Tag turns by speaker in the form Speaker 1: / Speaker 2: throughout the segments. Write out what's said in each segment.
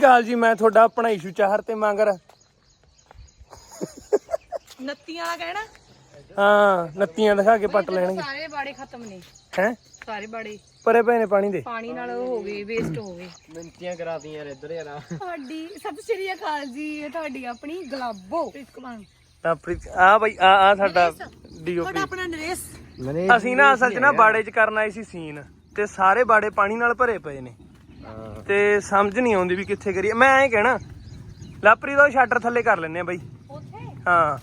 Speaker 1: ਗੱਲ ਜੀ ਮੈਂ ਤੁਹਾਡਾ ਆਪਣਾ ਇਸ਼ੂ ਚਾਹਰ ਤੇ ਮੰਗਰ
Speaker 2: ਨੱਤੀਆਂ ਵਾਲਾ ਕਹਿਣਾ।
Speaker 1: ਹਾਂ ਨੱਤੀਆਂ ਦਿਖਾ ਕੇ ਪੱਟ ਲੈਣਗੇ।
Speaker 2: ਸਾਰੇ ਬਾੜੇ ਖਤਮ ਨੇ
Speaker 1: ਹੈ
Speaker 2: ਸਾਰੇ ਬਾੜੇ
Speaker 1: ਪਰੇ ਪਏ ਨੇ ਪਾਣੀ ਦੇ।
Speaker 2: ਪਾਣੀ ਨਾਲ ਉਹ ਹੋ ਗਏ ਵੇਸਟ ਹੋ ਗਏ।
Speaker 1: ਮਿੰਟੀਆਂ ਕਰਾਤੀਆਂ ਯਾਰ ਇੱਧਰ ਯਾਰ।
Speaker 2: ਤੁਹਾਡੀ ਸਤਿ ਸ਼੍ਰੀ ਅਕਾਲ ਜੀ। ਇਹ ਤੁਹਾਡੀ ਆਪਣੀ ਗਲਾਬੋ
Speaker 1: ਆ ਬਈ ਆ ਸਾਡਾ ਡੀਓਪੀ
Speaker 2: ਤੁਹਾਡਾ ਆਪਣਾ ਨਰੇਸ਼।
Speaker 1: ਅਸੀਂ ਨਾ ਅਸਲ ਚ ਨਾ ਬਾੜੇ ਚ ਕਰਨ ਆਏ ਸੀ ਸੀਨ ਤੇ ਸਾਰੇ ਬਾੜੇ ਪਾਣੀ ਨਾਲ ਭਰੇ ਪਏ ਨੇ ਤੇ ਸਮਝ ਨਹੀਂ ਆਉਂਦੀ ਵੀ ਕਿੱਥੇ ਕਰੀਏ। ਮੈਂ ਐਂ ਕਹਿਣਾ ਲਾਪਰੀ ਦਾ ਸ਼ਟਰ ਥੱਲੇ ਕਰ ਲੈਨੇ ਆ ਬਈ
Speaker 2: ਉੱਥੇ
Speaker 1: ਹਾਂ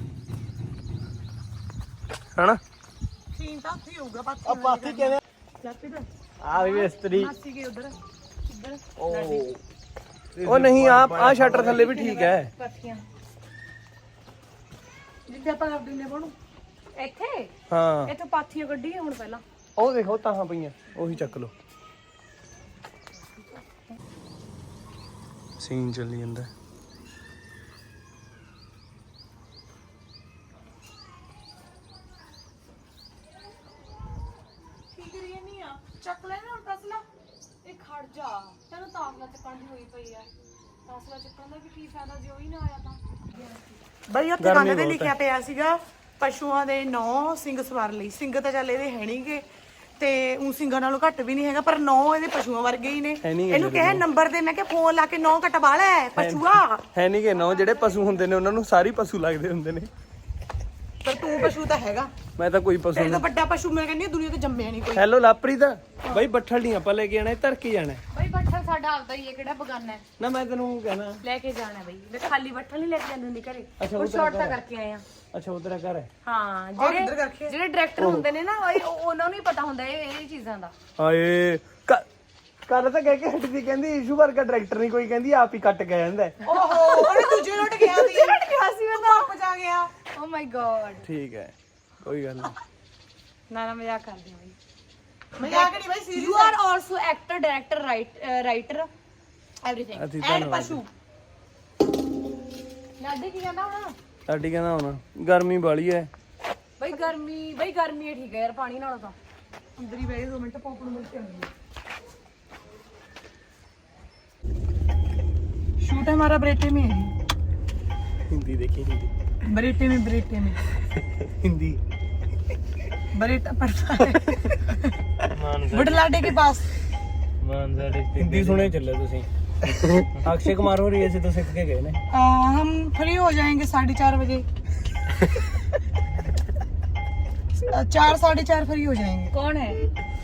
Speaker 1: ਹਨਾ
Speaker 2: ਸੀਨ ਤਾਂ ਉੱਥੇ ਹੋਊਗਾ ਪਾਥੀ।
Speaker 1: ਆ ਪਾਥੀ ਕਿਵੇਂ ਆ ਵੀ ਮਿਸਤਰੀ
Speaker 2: ਮਾਸੀ ਕੇ ਉਧਰ ਇੱਧਰ
Speaker 1: ਉਹ ਨਹੀਂ ਆ ਸ਼ਟਰ ਥੱਲੇ ਵੀ ਠੀਕ ਹੈ।
Speaker 2: ਪਾਥੀਆਂ ਜਿੱਥੇ ਆਪਾਂ ਲੱਭਦੇ ਨੇ ਬਣੂ ਇੱਥੇ
Speaker 1: ਹਾਂ
Speaker 2: ਇੱਥੇ ਪਾਥੀਆਂ ਕੱਢੀਆਂ ਹੁਣ ਪਹਿਲਾਂ।
Speaker 1: ਉਹ ਦੇਖੋ ਤਾਹਾਂ ਪਈਆਂ ਉਹੀ ਚੱਕ ਲਓ। ਸੀਨ ਚੱਲੀ ਜਾਂਦਾ
Speaker 2: ਕੀ ਕਰੀਏ ਨਹੀਂ ਆ ਚੱਕ ਲੈ ਨਾ ਹੁਣ ਤਸਲਾ। ਇਹ ਖੜ ਜਾ ਤੈਨੂੰ ਤਾਸਲਾ ਚੱਕਣ ਦੀ ਹੋਈ ਪਈ ਆ। ਤਾਸਲਾ ਚੱਕਣ ਦਾ ਵੀ ਕੀ ਫਾਇਦਾ ਜੇ ਉਹ ਹੀ ਨਾ ਆਇਆ ਤਾਂ। ਬਈ ਉੱਥੇ ਕੰਨ ਤੇ ਲਿਖਿਆ ਪਿਆ ਸੀਗਾ ਪਸ਼ੂਆਂ ਦੇ 9 ਸਿੰਘ ਸਵਾਰ ਲਈ। ਸਿੰਘ ਤਾਂ ਚੱਲ ਇਹਦੇ ਹੈ ਨਹੀਂਗੇ ਤੇ ਉਹ ਸਿੰਘਾਂ ਨਾਲੋਂ ਘੱਟ ਵੀ ਨਹੀਂ ਹੈਗਾ ਪਰ 9 ਇਹਦੇ ਪਸ਼ੂਆਂ ਵਰਗੇ ਹੀ ਨੇ। ਇਹਨੂੰ ਕਹੇ ਨੰਬਰ ਦੇ ਮੈਂ ਕਿਹਾ ਫੋਨ ਲਾ ਕੇ 9 ਕਟਵਾ ਲੈ ਪਸ਼ੂਆ
Speaker 1: ਹੈ ਨਹੀਂ ਕਿ 9 ਜਿਹੜੇ ਪਸ਼ੂ ਹੁੰਦੇ ਨੇ ਉਹਨਾਂ ਨੂੰ ਸਾਰੇ ਪਸ਼ੂ ਲੱਗਦੇ ਹੁੰਦੇ ਨੇ
Speaker 2: ਪਰ ਤੂੰ ਪਸ਼ੂ ਤਾਂ ਹੈਗਾ।
Speaker 1: ਮੈਂ ਤਾਂ ਕੋਈ ਪਸ਼ੂ
Speaker 2: ਇਹ ਤਾਂ ਵੱਡਾ ਪਸ਼ੂ ਮੈਂ ਕਹਿੰਦੀ ਦੁਨੀਆ ਤੇ ਜੰਮਿਆ ਨਹੀਂ ਕੋਈ।
Speaker 1: ਹੈਲੋ ਲਾਪਰੀਤ ਬਈ ਬੱਠਲ ਨਹੀਂ ਆਪਾਂ ਲੈ ਕੇ ਜਾਣਾ ਧਰ ਕੇ ਜਾਣਾ।
Speaker 2: ਬਈ ਬੱਠਲ ਸਾਡਾ ਆਪਦਾ ਹੀ ਹੈ ਕਿਹੜਾ ਬਗਾਨਾ ਹੈ।
Speaker 1: ਨਾ ਮੈਂ ਤੈਨੂੰ ਕਹਿਣਾ
Speaker 2: ਲੈ ਕੇ ਜਾਣਾ ਬਈ ਮੈਂ ਖਾਲੀ ਬੱਠਲ ਨਹੀਂ ਲੈ ਕੇ ਜਾਂਦੀ ਹੁੰਦੀ ਘਰੇ।
Speaker 1: ਅੱਛਾ,
Speaker 2: ਉਹ ਸ਼ਾਰਟ ਤਾਂ ਕਰਕੇ ਆਏ ਆ।
Speaker 1: ਅੱਛਾ ਉਹ ਤੇਰਾ ਘਰ ਹੈ।
Speaker 2: ਹਾਂ ਜਿਹੜੇ ਡਾਇਰੈਕਟਰ ਹੁੰਦੇ ਨੇ ਨਾ ਉਹਨਾਂ ਨੂੰ ਹੀ ਪਤਾ ਹੁੰਦਾ ਇਹ ਚੀਜ਼ਾਂ ਦਾ।
Speaker 1: ਹਾਏ ਕੱਲ ਤਾਂ ਕਹਿ ਕੇ ਹਟਦੀ ਕਹਿੰਦੀ ਇਸ਼ੂ ਵਰਗਾ ਡਾਇਰੈਕਟਰ ਨਹੀਂ ਕੋਈ ਕਹਿੰਦੀ ਆਪ ਹੀ ਕੱਟ ਗਿਆ ਜਾਂਦਾ।
Speaker 2: ਓਹੋ ਉਹਨੇ ਦੂਜੇ ਲੁੱਟ ਗਿਆ ਸੀ। ਲੁੱਟ ਗਿਆ ਸੀ ਮੈਂ ਤਾਂ ਪਹੁੰਚਾ ਗਿਆ। ਓ ਮਾਈ ਗॉड
Speaker 1: ਠੀਕ ਹੈ ਕੋਈ ਗੱਲ ਨਹੀਂ।
Speaker 2: ਨਾ ਮਜ਼ਾਕ ਕਰਦੀ ਹਾਂ ਬਈ। ਮਜ਼ਾਕ ਨਹੀਂ ਬਈ serious. You are also actor director writer everything and ਪਸ਼ੂ। ਲਾਡੀ ਕੀ ਕਹਿੰਦਾ ਹੁਣ?
Speaker 1: ਸਾਡੀ ਕਹਿੰਦਾ ਹੁਣ ਗਰਮੀ ਵਾਲੀ ਹੈ
Speaker 2: ਬਈ ਗਰਮੀ ਠੀਕ ਹੈ ਯਾਰ ਪਾਣੀ ਨਾਲੋਂ ਤਾਂ। ਅੰਦਰ ਹੀ ਬਹਿ 2 ਮਿੰਟ ਪੌਪ ਨੂੰ ਮਿਲ ਕੇ ਆਉਂਦੀ। शूट हमारा बरेटे में है।
Speaker 1: हिंदी देखी हिंदी
Speaker 2: बरेटे में
Speaker 1: हिंदी
Speaker 2: बरेटा पड़ता है बुढ़लाडे के पास।
Speaker 1: हिंदी सुने चले तुसी अक्षय कुमार हो रही है तो सीख के गए ने।
Speaker 2: हम फ्री हो जाएंगे 4:30 बजे। 4 4:30 फ्री हो जाएंगे। कौन है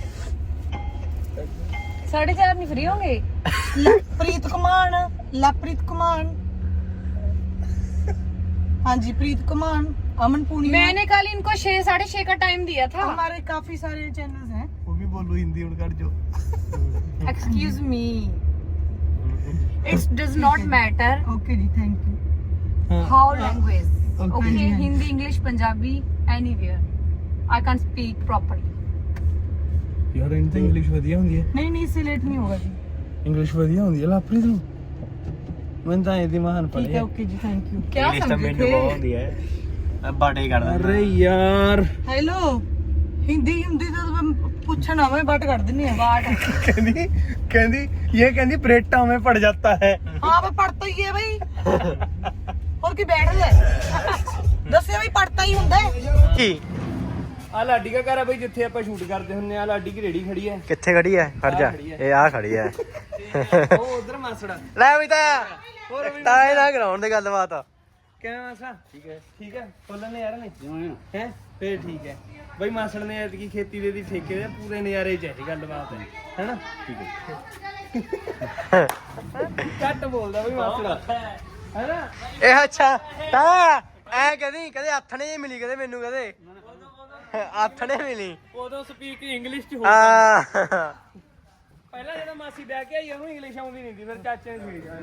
Speaker 2: 4:30 नहीं फ्री होंगे? प्रीत कुमार लवप्रीत कुमार। हाँ जी प्रीत कुमार अमन पूर्णिमा। मैंने कल इनको 6 6:30 का टाइम दिया था। हमारे काफी सारे चैनल्स हैं।
Speaker 1: वो भी बोलो हिंदी उड़ कर जो
Speaker 2: excuse me it's does not matter. Okay ji thank you. How language okay Hindi English Punjabi anywhere I can speak properly.
Speaker 1: यार इनसे इंग्लिश ਵਧੀਆ ਹੁੰਦੀ ਹੈ।
Speaker 2: नहीं इससे लेट नहीं होगा जी।
Speaker 1: इंग्लिश ਵਧੀਆ ਹੁੰਦੀ ਹੈ ਲਾਪਰੀਤ ਨੂੰ। ਮੈਂ ਤਾਂ ਇਹਦੀ ਮਹਾਨ
Speaker 2: ठीक है ओके जी थैंक यू। क्या समझे थे?
Speaker 1: ਹੁੰਦੀ ਹੈ ਮੈਂ ਬਾੜੇ ਕਰਦਾ। ਅਰੇ ਯਾਰ
Speaker 2: हेलो हिंदी हिंदी तो पूछना मैं बाट कर देनी है बाट।
Speaker 1: ਕਹਿੰਦੀ ये कहती परेटा में पड़ जाता है।
Speaker 2: हाँ भाई पढ़ता ही है भाई और की बैठ ले दसिया भाई पढ़ता ही ਹੁੰਦਾ है।
Speaker 1: ਕੀ ਆ ਲਾਡੀ ਦਾ ਘਰ ਹੈ ਬਈ ਜਿੱਥੇ ਆਪਾਂ ਸ਼ੂਟ ਕਰਦੇ ਹੁੰਨੇ ਆ। ਲਾਡੀ ਦੀ ਰੇੜੀ ਖੜੀ ਹੈ।
Speaker 3: ਕਿੱਥੇ ਖੜੀ ਹੈ? ਖੜ ਜਾ ਇਹ ਆ ਖੜੀ ਹੈ।
Speaker 1: ਉਹ ਉਧਰ ਮਾਸੜਾ
Speaker 3: ਲੈ ਵੀ ਤਾਂ ਇਹਦਾ ਗਰਾਊਂਡ ਦੀ ਗੱਲਬਾਤ ਆ।
Speaker 1: ਕਿਵੇਂ ਮਾਸੜਾ? ਠੀਕ ਹੈ ਬੋਲਣ ਨੇ ਯਾਰ ਨਹੀਂ ਹੈ ਫੇਰ ਠੀਕ ਹੈ ਬਈ। ਮਾਸੜ ਨੇ ਐਤਕੀ ਖੇਤੀ ਦੇ ਦੀ ਠੇਕੇ ਦੇ ਪੂਰੇ ਨਜ਼ਾਰੇ ਚ ਹੈ ਜੀ ਗੱਲਬਾਤ ਹੈ ਹੈਨਾ। ਠੀਕ ਹੈ ਘੱਟ ਬੋਲਦਾ ਬਈ ਮਾਸੜਾ ਹੈਨਾ।
Speaker 3: ਇਹ ਅੱਛਾ ਤਾਂ ਐ ਕਦੀ ਕਦੇ ਹੱਥ ਨੇ ਮਿਲੀ ਕਦੇ ਮੈਨੂੰ ਕਦੇ ਹੱਥ ਨੇ ਮਿਲੀ
Speaker 1: ਉਦੋਂ ਸਪੀਕ ਇੰਗਲਿਸ਼ ਚ ਹੋ
Speaker 3: ਆ।
Speaker 1: ਪਹਿਲਾਂ ਜਦੋਂ ਮਾਸੀ ਬਹਿ ਕੇ ਆਈ ਉਹਨੂੰ ਇੰਗਲਿਸ਼ ਆਉਂਦੀ ਨਹੀਂ ਸੀ ਫਿਰ ਚਾਚੇ ਨੇ ਸਿਖਾਈ।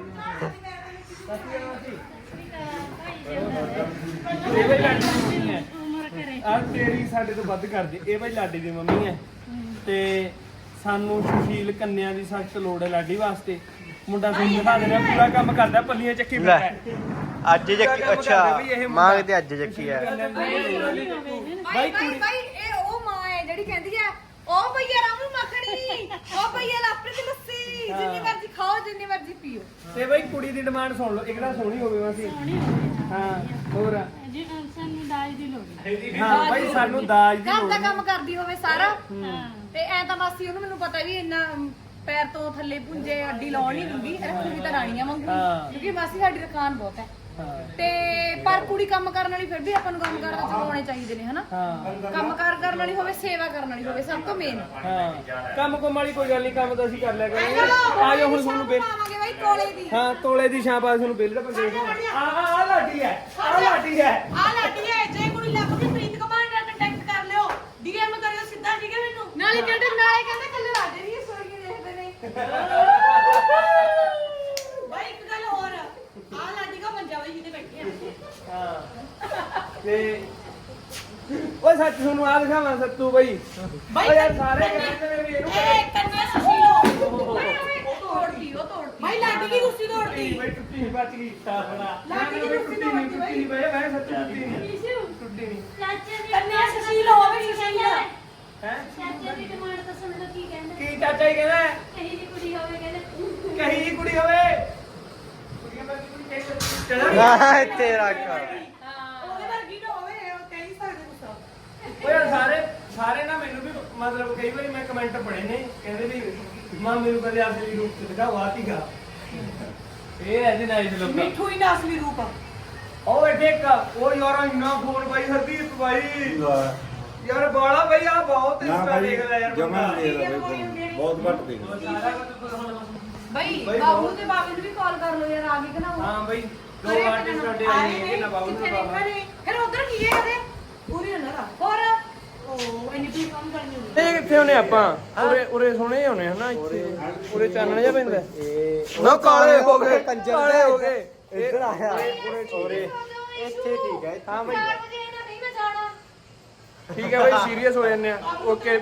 Speaker 1: ਇਹ ਬਈ ਲਾਡੀ ਦੀ ਮੰਮੀ ਹੈ। ਆ ਤੇਰੀ ਸਾਡੇ ਤੋਂ ਵੱਧ ਕਰਦੇ। ਇਹ ਬਈ ਲਾਡੀ ਦੀ ਮੰਮੀ ਹੈ ਤੇ ਸਾਨੂੰ ਸੁਸ਼ੀਲ ਕੰਨਿਆਂ ਦੀ ਸਖਤ ਲੋੜ ਹੈ ਲਾਡੀ ਵਾਸਤੇ। ਮੁੰਡਾ ਤੁਹਾਨੂੰ ਦਿਖਾ ਦੇਣਾ ਪੂਰਾ ਕੰਮ ਕਰਦਾ ਪੱਲੀਆਂ ਚੱਕੀ ਫਿਰਦਾ ਹੈ।
Speaker 3: ਅੱਜ ਚੱਕੀ ਅੱਛਾ ਮਾਂ ਕਿਤੇ ਅੱਜ ਚੱਕੀ ਹੈ
Speaker 1: ਬਾਈ
Speaker 2: ਭਾਈ ਇਹ ਉਹ ਮਾਂ ਹੈ ਜਿਹੜੀ ਕਹਿੰਦੀ ਹੈ ਉਹ ਭਈਆ ਰਾਮੂ ਮੱਖਣੀ ਉਹ ਭਈਆ ਲਾਪਰੇ ਦੀ ਲੱਸੀ ਜਿੰਨੀ ਮਰਜ਼ੀ ਖਾਓ ਜਿੰਨੀ ਮਰਜ਼ੀ ਪੀਓ।
Speaker 1: ਤੇ ਬਈ ਕੁੜੀ ਦੀ ਡਿਮਾਂਡ ਸੁਣ ਲਓ, ਇੱਕ ਤਾਂ ਸੋਹਣੀ ਹੋਵੇ ਮਾਸੀ। ਹਾਂ ਹੋਰ
Speaker 4: ਜੀ ਸਾਨੂੰ ਦਾਜ ਦੀ ਲੋੜ ਹੈ।
Speaker 1: ਹਾਂ ਬਈ ਸਾਨੂੰ ਦਾਜ ਦੀ
Speaker 2: ਘਰ
Speaker 1: ਲੋੜ
Speaker 2: ਦਾ
Speaker 1: ਨਹੀਂ।
Speaker 2: ਕੰਮ ਕਰਦੀ ਹੋਵੇ ਸਾਰਾ ਤੇ ਐ ਤਾਂ ਮਾਸੀ ਉਹਨੂੰ ਮੈਨੂੰ ਪਤਾ ਵੀ ਇੰਨਾ ਪੈਰ ਤੋਂ ਥੱਲੇ ਪੁੰਜੇ ਅੱਡੀ ਲਾਉਣ ਨਹੀਂ ਦਿੰਦੀ, ਰੱਖੂਗੀ ਤਾਂ ਰਾਣੀਆਂ ਵਾਂਗੂ ਕਿਉਂਕਿ ਮਾਸੀ ਸਾਡੀ ਰਕਾਨ ਬਹੁਤ ਹੈ। ਤੇ ਪਰ ਕੁੜੀ ਕੰਮ ਕਰਨ ਵਾਲੀ ਫਿਰ ਵੀ ਆਪਾਂ ਨੂੰ ਕੰਮ ਕਰਨ ਚ ਆਉਣੇ ਚਾਹੀਦੇ ਨੇ ਹਨਾ। ਕੰਮ ਕਰਨ ਵਾਲੀ ਹੋਵੇ, ਸੇਵਾ ਕਰਨ ਵਾਲੀ ਹੋਵੇ, ਸਭ ਤੋਂ ਮੇਨ।
Speaker 1: ਹਾਂ ਕੰਮ ਕੁਮ ਵਾਲੀ ਕੋਈ ਗੱਲ ਨਹੀਂ, ਕੰਮ ਤਾਂ ਅਸੀਂ ਕਰ ਲਿਆ ਕਰਾਂਗੇ। ਆ ਜਾਓ ਹੁਣ ਤੁਹਾਨੂੰ ਬਿੱਲ
Speaker 2: ਪਾਵਾਂਗੇ ਬਾਈ ਤੋਲੇ ਦੀ।
Speaker 1: ਹਾਂ ਤੋਲੇ ਦੀ ਛਾਪ ਆ ਤੁਹਾਨੂੰ ਬਿੱਲ ਦਾ ਪੰਗੇ ਆ ਲਾਡੀ ਹੈ, ਆ ਲਾਡੀ ਹੈ।
Speaker 2: ਆ ਲਾਡੀ ਹੈ, ਜੇ ਕੁੜੀ ਲੱਭ ਕੇ ਪ੍ਰੀਤ ਕੁਮਾਰ ਨਾਲ ਕੰਟੈਕਟ ਕਰ ਲਿਓ, ਡੀਐਮ ਕਰਿਓ ਸਿੱਧਾ, ਠੀਕ ਹੈ ਮੈਨੂੰ। ਨਾਲੇ ਕਹਿੰਦੇ ਕੱਲੇ ਲਾਡੇ ਨਹੀਂ ਸੋਈ ਦੇਖਦੇ ਨੇ। ਬਾਈ ਇੱਕ ਗੱਲ ਹੋਰ, ਆ ਲਾਡੀ ਦਾ ਮੰਜਾ ਬਾਈ ਜਿੱਤੇ ਬੈਠੇ ਆ।
Speaker 1: ਹਾਂ ਤੇ ਓਏ ਸੱਚ ਤੁਹਾਨੂੰ ਆ ਦਿਖਾਵਾਂ ਸੱਤੂ ਬਈ। ਓ ਯਾਰ ਸਾਰੇ ਕਹਿੰਦੇ ਨੇ ਵੀ ਇਹਨੂੰ
Speaker 2: ਇਹ ਕੰਨਿਆ ਸੁਸ਼ੀਲੋ ਉਹ ਤੋੜਦੀ ਬਾਈ ਲਾਡੀ ਦੀ ਰੁੱਸੀ ਤੋੜਦੀ।
Speaker 1: ਬਈ ਟੁੱਟੀ ਬਚ ਗਈ ਸਾਫਣਾ।
Speaker 2: ਲਾਡੀ ਦੀ ਰੁੱਸੀ ਤੋੜਦੀ
Speaker 1: ਟੁੱਟੀ ਬਈ ਮੈਂ ਸੱਚ ਟੁੱਟੀ ਨਹੀਂ। ਟੁੱਟੀ ਨਹੀਂ
Speaker 4: ਚਾਚੇ ਦੀ
Speaker 2: ਕੰਨਿਆ ਸੁਸ਼ੀਲੋ ਹੋਵੇ ਸੁਸ਼ੀਲੋ।
Speaker 1: ਹੈ
Speaker 4: ਚਾਚੇ ਦੀ ਡਿਮਾਂਡ ਤਾਂ ਸੁਣ ਲਓ ਕੀ ਕਹਿੰਦੇ।
Speaker 1: ਕੀ ਚਾਚਾ ਹੀ ਕਹਿੰਦਾ
Speaker 4: ਕਹੀ ਦੀ ਕੁੜੀ ਹੋਵੇ ਕਹਿੰਦੇ।
Speaker 1: ਕਹੀ ਜੀ ਕੁੜੀ ਹੋਵੇ। ਕੁੜੀਆਂ ਵਰਗੀ ਕੁੜੀ ਚਾਹੀਦੀ ਚੜਾ
Speaker 3: ਹਾਂ ਤੇਰਾ ਘਰ
Speaker 2: ਉਹਦੇ ਵਰਗੀ ਨਾ ਹੋਵੇ, ਉਹ ਕਹਿ ਨਹੀਂ ਸਕਦੇ ਕੁਛ।
Speaker 1: ਓਏ ਸਾਰੇ ਨਾ ਮੈਨੂੰ ਵੀ ਮਤਲਬ ਕਈ ਵਾਰੀ ਮੈਂ ਕਮੈਂਟ ਪੜ੍ਹੇ ਨੇ, ਕਹਿੰਦੇ ਵੀ ਮਾਂ ਮੈਨੂੰ ਕਦੇ ਅਸਲੀ ਰੂਪ ਚ ਦਿਖਾਓ ਆਤੀਗਾ। ਇਹ ਐਸੀ ਨਾਈਸ ਲੋਕ
Speaker 2: ਮਿੱਠੂ ਹੀ ਨਾ ਅਸਲੀ ਰੂਪ ਆ।
Speaker 1: ਉਹ ਦੇਖ ਉਹ ਯਾਰ ਇੰਨਾ ਫੋਨ ਬਾਈ ਹਰਦੀਪ ਬਾਈ ਯਾਰ ਬਾਲਾ ਬਈ ਆ ਬਹੁਤ ਇੰਸਟਾ ਦੇਖਦਾ ਯਾਰ
Speaker 5: ਜਮਾ
Speaker 1: ਬੰਦਾ।
Speaker 5: ਨਹੀਂ ਦੇਖਦਾ ਬਈ, ਬਹੁਤ ਘੱਟ ਦੇਖਦਾ।
Speaker 2: ਬਈ ਬਾਬੂ ਦੇ ਬਾਬੇ ਨੂੰ ਵੀ ਕਾਲ ਕਰ ਲਓ ਯਾਰ, ਆ ਗਈ ਕਿ ਨਾ ਉਹ।
Speaker 1: ਹਾਂ ਬਈ ਦੋ ਆਰਟਿਸਟ ਸਾਡੇ ਆਏ ਨੇ ਨਾ ਬਾਬੂ
Speaker 2: ਕਿੱਥੇ
Speaker 1: ਦਾ
Speaker 2: ਨੇ
Speaker 1: ਬਾਬਾ।
Speaker 2: ਘਰੇ? ਫਿਰ ਉਧਰ ਕੀ ਹੈ ਕਦੇ ਪੂਰੀ ਨਾ ਹੋਰ ਉਹ ਇੰਨੀ ਵੀ ਕੰਮ ਕਰਨੀ ਹੁੰਦੀ।
Speaker 1: ਇਹ ਕਿੱਥੇ ਹੋਣੇ ਆਪਾਂ ਉਰੇ ਸੋਹਣੇ ਹੋਣੇ ਹਨਾ ਉਰੇ ਚਾਨਣ ਜਿਹਾ ਪੈਂਦਾ ਨਾ ਕਾਲੇ ਹੋ ਗਏ ਕਾਲੇ ਹੋ ਗਏ
Speaker 3: ਇੱਧਰ ਆਇਆ
Speaker 1: ਉਰੇ
Speaker 3: ਇੱਥੇ ਠੀਕ ਹੈ।
Speaker 1: ਹਾਂ ਬਈ
Speaker 2: 4 ਵਜੇ ਨਾ ਨਹੀਂ ਮੈਂ ਜਾਣਾ।
Speaker 1: ਠੀਕ ਹੈ ਬਈ ਸੀਰੀਅਸ ਹੋ ਜਾਂਦੇ ਆ। ਓਕੇ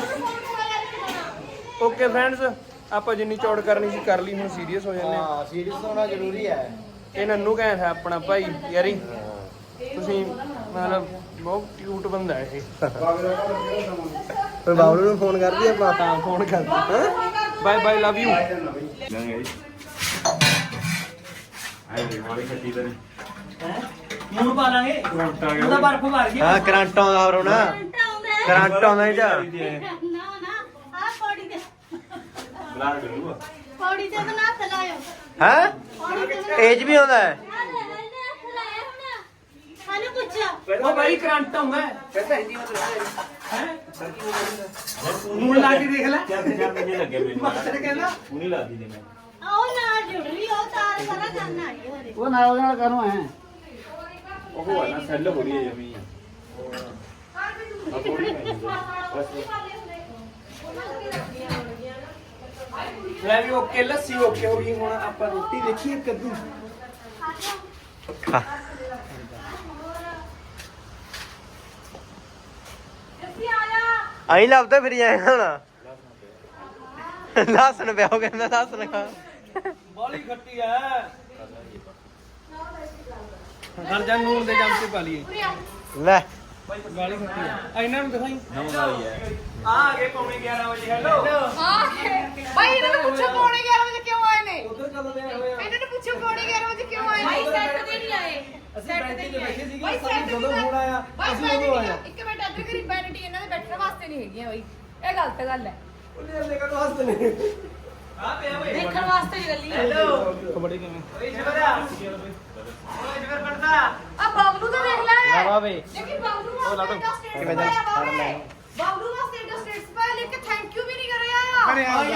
Speaker 1: ਫਰੈਂਡਸ ਆਪਾਂ ਜਿੰਨੀ ਚੌੜ ਕਰਨੀ ਸੀ ਕਰ ਲਈ, ਹੁਣ ਸੀਰੀਅਸ ਹੋ ਜਾਂਦੇ ਆ।
Speaker 3: ਹਾਂ ਸੀਰੀਅਸ ਹੋਣਾ ਜ਼ਰੂਰੀ ਹੈ।
Speaker 1: ਇਹ ਨੰਨੂ ਕਹਿੰਦਾ ਹੈ ਆਪਣਾ ਭਾਈ ਯਾਰੀ, ਤੁਸੀਂ ਮਤਲਬ ਬਹੁਤ ਕਿਊਟ ਬੰਦਾ ਹੈ ਇਹ।
Speaker 3: ਫਿਰ ਬਾਬਲੂ ਨੂੰ ਫੋਨ ਕਰਦੀ ਆਪਾਂ।
Speaker 1: ਹਾਂ ਫੋਨ ਕਰ ਬਾਏ ਬਾਏ ਲਵ ਯੂ। ਮੂੰਹ ਪਾ ਲਾਂਗੇ ਉਹਦਾ ਬਰਫ ਮਾਰ ਗਈ।
Speaker 3: ਹਾਂ ਕਰੰਟ ਆਉਂਦਾ ਹੋਰ ਨਾ, ਕਰੰਟ ਆਉਂਦਾ ਇਹ ਚ।
Speaker 4: ਨਾ ਆ ਪੌੜੀ ਤੇ ਪੌੜੀ ਤੇ ਤਾਂ ਨਾ ਤਲਾਇਓ।
Speaker 3: ਹੈ
Speaker 4: ਪੌੜੀ ਤੇ
Speaker 3: ਏਜ ਵੀ ਆਉਂਦਾ ਹੈ।
Speaker 4: ਹਾਨੂੰ ਪੁੱਛੋ
Speaker 1: ਉਹ ਬਾਈ ਕਰੰਟ ਆਉਂਦਾ ਹੈ। ਹੈ ਮੂੰਹ ਲਾ ਕੇ ਦੇਖ ਲੈ। ਮਾਸਟਰ ਕਹਿੰਦਾ
Speaker 4: ਆਓ ਨਾਲ ਜੁੜ ਰਹੀ ਉਹ ਤਾਰ ਸਾਰਾ ਕਰਨ ਆਈ ਹੋਰੇ।
Speaker 5: ਉਹ ਨਾਲ ਨਾਲ ਕਰੋ ਐ ਉਹ ਹੈ ਨਾ ਸੈੱਲ ਹੋ ਰਹੀ ਹੈ ਜਮੀ।
Speaker 1: ਲੈ ਵੀ ਓਕੇ ਲੱਸੀ ਓਕੇ ਹੋ ਗਈ। ਹੁਣ ਆਪਾਂ ਰੋਟੀ ਦੇਖੀਏ ਕੱਦੂ।
Speaker 2: ਜੱਸੀ ਆ ਜਾ।
Speaker 3: ਆਈ ਲੱਭਦਾ ਫਿਰ ਜਾਏਗਾ ਹੁਣ। ਲਸਣ ਪਿਆ ਉਹ ਕਹਿੰਦਾ ਲਸਣ ਖਾ।
Speaker 1: ਬਾਲੀ ਖੱਟੀ ਐ। ਹਰ ਜਾਂ ਨੂਨ ਦੇ ਚਮਚੇ ਪਾ ਲਈਏ।
Speaker 3: ਲੈ
Speaker 1: ਬਾਲੀ ਖੱਟੀ ਐ। ਇਹਨਾਂ ਨੂੰ ਦਿਖਾਈ ਆ ਗਏ ਪੌਣੇ 11 ਵਜੇ। ਹੈਲੋ
Speaker 2: ਬਾਈ ਇਹਨਾਂ ਨੂੰ ਪੁੱਛੋ ਪੌਣੇ 11 ਵਜੇ ਕਿਉਂ ਆਏ ਨੇ?
Speaker 1: ਉਧਰ ਕਦੋਂ ਦੇ ਹੋਏ ਆ?
Speaker 2: ਇਹਨਾਂ ਨੂੰ ਪੁੱਛੋ ਪੌਣੇ 11 ਵਜੇ ਕਿਉਂ ਆਏ ਨੇ? ਬਾਈ ਸੈੱਟ ਦੇ ਨਹੀਂ ਆਏ।
Speaker 1: ਅਸੀਂ ਬੈਠੇ ਤੇ ਬੈਠੇ ਸੀਗੇ।
Speaker 2: ਬਾਈ
Speaker 1: ਸਾਨੂੰ
Speaker 2: ਸੈੱਟ
Speaker 1: ਜਦੋਂ ਫੋਨ ਆਇਆ ਅਸੀਂ ਉਦੋਂ ਆਇਆ।
Speaker 2: ਇੱਕ ਮਿੰਟ ਇੱਧਰ ਕਰੀ, ਵੈਨਿਟੀ ਇਹਨਾਂ ਦੇ ਬੈਠਣ ਵਾਸਤੇ ਨਹੀਂ ਹੈਗੀਆਂ ਬਾਈ, ਇਹ ਗਲਤ ਗੱਲ ਹੈ।
Speaker 1: ਉਹਨੇ ਅੱਲੇ ਕਦੋਂ ਹੱਸਦੇ ਨੇ। ਆ ਪਿਆ ਬਈ
Speaker 2: ਦੇਖਣ ਵਾਸਤੇ ਹੀ ਗੱਲੀ ਹੈ।
Speaker 1: ਹੈਲੋ ਕਬੱਡੀ ਕਿਵੇਂ ਓਏ ਜਬਰਾ ਓਏ ਜਬਰ ਪੜਦਾ
Speaker 2: ਆ ਬਾਬਲੂ ਤਾਂ ਦੇਖ ਲੈ
Speaker 3: ਵਾ ਵੇ
Speaker 2: ਲੇਕਿਨ ਬਾਬਲੂ ਵਾਸਤੇ ਤਾਂ ਸਟੇਟਸ
Speaker 3: ਕਿਵੇਂ
Speaker 2: ਪਾਇਆ
Speaker 3: ਫੜ
Speaker 2: ਬਾਬੇ।
Speaker 3: ਲੈ।
Speaker 2: ਬਾਬਲੂ ਵਾਸਤੇ ਤਾਂ ਸਟੇਟਸ ਪਾਇਆ, ਲੇਕਿਨ ਥੈਂਕ ਯੂ ਵੀ ਨਹੀਂ ਕਰਿਆ।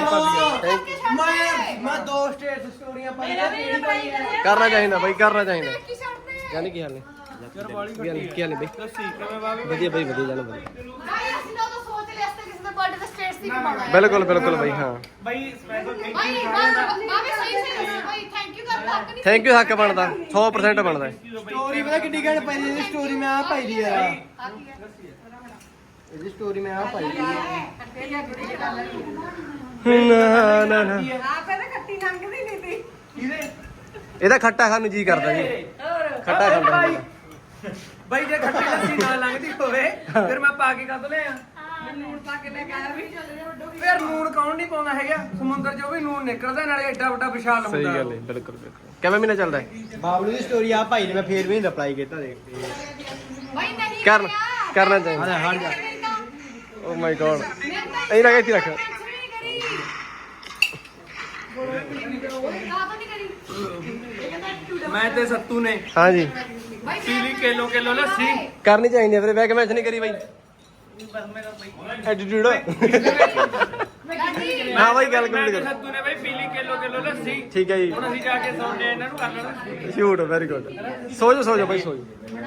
Speaker 1: ਮੈਂ ਦੋ ਸਟੇਟ ਸਟੋਰੀਆਂ
Speaker 2: ਮੇਰਾ ਵੀ ਇਹਨਾਂ ਪਾਈ ਕਰਿਆ।
Speaker 3: ਕਰਨਾ ਚਾਹੀਦਾ ਬਾਈ, ਕਰਨਾ ਚਾਹੀਦਾ।
Speaker 2: ਕੀ ਛੱਡਦੇ
Speaker 3: ਜਾਨੀ ਕੀ ਹਾਲ ਨੇ?
Speaker 1: ਯਾਰ ਬਾਲੀ
Speaker 3: ਕੀ ਹਾਲ ਨੇ? ਕੀ ਹਾਲ ਨੇ ਬਾਈ?
Speaker 1: ਲੱਸੀ ਕਿਵੇਂ ਬਾਬੇ
Speaker 3: ਵਧੀਆ ਬਾਈ, ਵਧੀਆ ਜਾਨ ਵਧੀਆ।
Speaker 2: ਭਾਈ ਅਸੀਂ ਤਾਂ ਉਦੋਂ ਸੋਚ ਲਿਆ ਸੀ ਕਿਸੇ ਦੇ ਬਰਥਡੇ ਤੇ ਸਟੇਟਸ ਹੀ ਪਾਉਣਾ ਹੈ।
Speaker 3: ਬਿਲਕੁਲ ਬਿਲਕੁਲ ਬਾਈ। ਹਾਂ
Speaker 1: ਬਾਈ ਸਪੈਸ਼ਲ ਥੈਂਕ
Speaker 2: ਭਾਈ
Speaker 1: ਯੂ
Speaker 2: ਬਾਬੇ ਸਹੀ ਸਹੀ ਦੱਸੋ ਭਾਈ, ਥੈਂਕ ਯੂ ਕਰਦਾ ਹੱਕ ਨਹੀਂ।
Speaker 3: ਥੈਂਕ ਯੂ ਹੱਕ ਬਣਦਾ 100% ਬਣਦਾ।
Speaker 1: ਸਟੋਰੀ ਪਤਾ ਕਿੰਨੀ ਘੈਂਟ ਪਾਈ ਦੀ ਸਟੋਰੀ ਮੈਂ ਆ ਪਾਈ ਦੀ ਯਾਰ
Speaker 2: ਆ ਕੀ ਹੈ?
Speaker 3: ਇਹਦੀ ਸਟੋਰੀ ਮੈਂ ਆ ਪਾਈ
Speaker 2: ਕੱਟੇ ਲਿਆ ਗੁੜੀ ਦੀ ਗੱਲ
Speaker 3: ਨਾ ਨਾ ਨਾ
Speaker 2: ਆ ਪਹਿਲਾਂ ਖੱਟੀ ਲੰਘਦੀ ਨਹੀਂ ਸੀ।
Speaker 1: ਕਿਹਦੇ
Speaker 3: ਇਹਦਾ ਖੱਟਾ ਖਾਣ ਨੂੰ ਜੀ ਕਰਦਾ ਜੀ।
Speaker 2: ਹੋਰ
Speaker 3: ਖੱਟਾ ਖਾਂਦਾ
Speaker 1: ਬਾਈ ਜੇ ਖੱਟੀ ਲੱਸੀ ਨਾ ਲੰਘਦੀ ਹੋਵੇ ਫਿਰ ਮੈਂ ਪਾ ਕੇ ਕਦ ਲਿਆ
Speaker 2: ਨੂਣ ਪਾ ਕੇ ਲੈ ਕੇ ਆਇਆ ਵੀ
Speaker 1: ਫਿਰ ਨੂਣ ਕੌਣ ਨਹੀਂ ਪਾਉਂਦਾ ਹੈਗਾ ਸਮੁੰਦਰ 'ਚੋਂ ਵੀ ਨੂਣ ਨਿਕਲਦਾ ਨਾਲੇ ਐਡਾ ਵੱਡਾ ਵਿਸ਼ਾਲ ਹੁੰਦਾ
Speaker 3: ਸਹੀ ਗੱਲ ਹੈ ਬਿਲਕੁਲ ਬਿਲਕੁਲ ਕਿਵੇਂ ਮਹੀਨਾ ਚੱਲਦਾ ਹੈ ਬਾਬਲੂ ਦੀ ਸਟੋਰੀ ਆ ਭਾਈ ਨੇ ਮੈਂ ਫੇਰ ਵੀ ਨਹੀਂ ਰਿਪਲਾਈ ਕੀਤਾ ਦੇਖ
Speaker 2: ਬਈ ਨਹੀਂ
Speaker 3: ਕਰਨਾ ਚਾਹੀਦਾ ਹਟ ਜਾ ਓ ਮਾਈ ਗॉड ਇਹ ਨਾ ਇੱਥੇ ਰੱਖ
Speaker 1: ਮੈਂ ਤੇ ਸੱਤੂ ਨੇ
Speaker 3: ਹਾਂਜੀ
Speaker 1: ਪੀਲੀ ਕਿਲੋ ਲੱਸੀ
Speaker 3: ਕਰਨੀ ਚਾਹੀਦੀ ਹੈ ਫਿਰ ਬੈਕ ਮੈਚ ਨਹੀਂ ਕਰੀ ਬਾਈ ਐਟੀਟਿਊਡ ਹਾਂ ਬਾਈ ਗੱਲ
Speaker 1: ਮੈਂ
Speaker 3: ਕਰ
Speaker 1: ਤੇ ਸੱਤੂ ਨੇ ਬਈ ਪੀਲੀ ਕਿਲੋ ਲੱਸੀ
Speaker 3: ਠੀਕ ਹੈ ਜੀ
Speaker 1: ਹੁਣ ਅਸੀਂ ਜਾ ਕੇ ਸੌਂਦੇ ਇਹਨਾਂ ਨੂੰ ਕਰ ਲੈਣਾ
Speaker 3: ਸ਼ੂਟ ਵੈਰੀ ਗੁੱਡ ਸੋ ਜਾ ਬਾਈ ਸੋ ਜਾ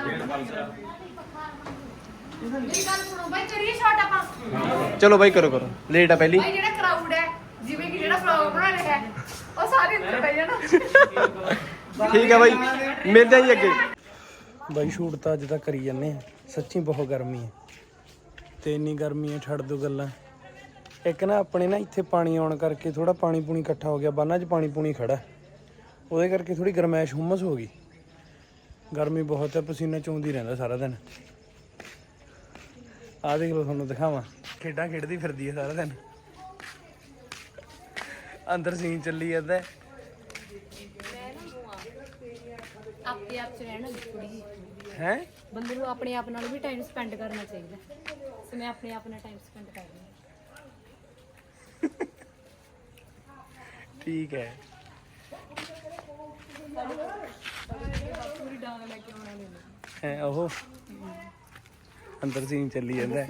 Speaker 2: ਮੇਰੀ ਗੱਲ ਸੁਣੋ ਬਾਈ ਕਰੀਏ ਸ਼ਾਟ ਆਪਾਂ
Speaker 3: ਚਲੋ ਬਾਈ ਕਰੋ ਲੇਟ ਆ ਪਹਿਲੀ
Speaker 2: ਬਾਈ ਜਿਹੜਾ ਕਰਾਊਡ ਹੈ ਜਿਵੇਂ ਕਿ ਜਿਹੜਾ ਫਲੋਗ ਬਣਾ ਰਿਹਾ ਹੈ ਉਹ ਸਾਰੇ ਅੰਦਰ ਬਹਿ ਜਾਣਾ
Speaker 3: ਠੀਕ ਹੈ ਬਾਈ ਮਿਲਦੇ ਆ ਜੀ ਅੱਗੇ
Speaker 1: ਬਾਈ ਸ਼ੂਟ ਤਾਂ ਅੱਜ ਤੱਕ ਕਰੀ ਜਾਂਦੇ ਆ ਸੱਚੀ ਬਹੁਤ ਗਰਮੀ ਹੈ ਤੇ ਇੰਨੀ ਗਰਮੀ ਹੈ ਛੱਡ ਦੋ ਗੱਲਾਂ ਇੱਕ ਨਾ ਆਪਣੇ ਨਾ ਇੱਥੇ ਪਾਣੀ ਆਉਣ ਕਰਕੇ ਥੋੜਾ ਪਾਣੀ ਪੂਣੀ ਇਕੱਠਾ ਹੋ ਗਿਆ ਬੰਨਾਂ 'ਚ ਪਾਣੀ ਪੂਣੀ ਖੜਾ ਉਹਦੇ ਕਰਕੇ ਥੋੜੀ ਗਰਮੈਸ਼ ਹੁਮਸ ਹੋ ਗਈ ਗਰਮੀ ਬਹੁਤ ਹੈ ਪਸੀਨਾ ਚੋਂਦੀ ਰਹਿੰਦਾ ਸਾਰਾ ਦਿਨ ਆਹ ਦੇਖ ਲਓ ਤੁਹਾਨੂੰ ਦਿਖਾਵਾਂ ਖੇਡਾਂ ਖੇਡਦੀ ਫਿਰਦੀ ਹੈ ਸਾਰਾ ਦਿਨ ਅੰਦਰ ਸੀਨ ਚੱਲੀ ਜਾਂਦਾ
Speaker 6: ਆਪਣੇ ਆਪ ਚ ਰਹਿਣਾ ਥੋੜੀ ਜਿਹੀ
Speaker 1: ਹੈ
Speaker 6: ਬੰਦੇ ਨੂੰ ਆਪਣੇ ਆਪ ਨਾਲ ਵੀ ਟਾਈਮ ਸਪੈਂਡ ਕਰਨਾ ਚਾਹੀਦਾ ਸੋ ਮੈਂ ਆਪਣੇ ਆਪ ਨਾਲ ਟਾਈਮ ਸਪੈਂਡ ਕਰ ਰਹੀ
Speaker 1: ਠੀਕ ਹੈ
Speaker 6: ਪੂਰੀ ਡਾਂਗ ਲੈ ਕੇ ਆਉਣਾ ਨਹੀਂ
Speaker 1: ਹੈ ਉਹ ਅੰਦਰ ਸੀਨ ਚੱਲੀ ਜਾਂਦਾ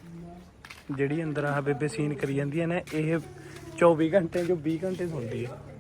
Speaker 1: ਜਿਹੜੀ ਅੰਦਰ ਆ ਬੇਬੇ ਸੀਨ ਕਰੀ ਜਾਂਦੀ ਹੈ ਨਾ ਇਹ 24 ਘੰਟੇ ਜੋ 20 ਘੰਟੇ ਸੁਣਦੀ ਹੈ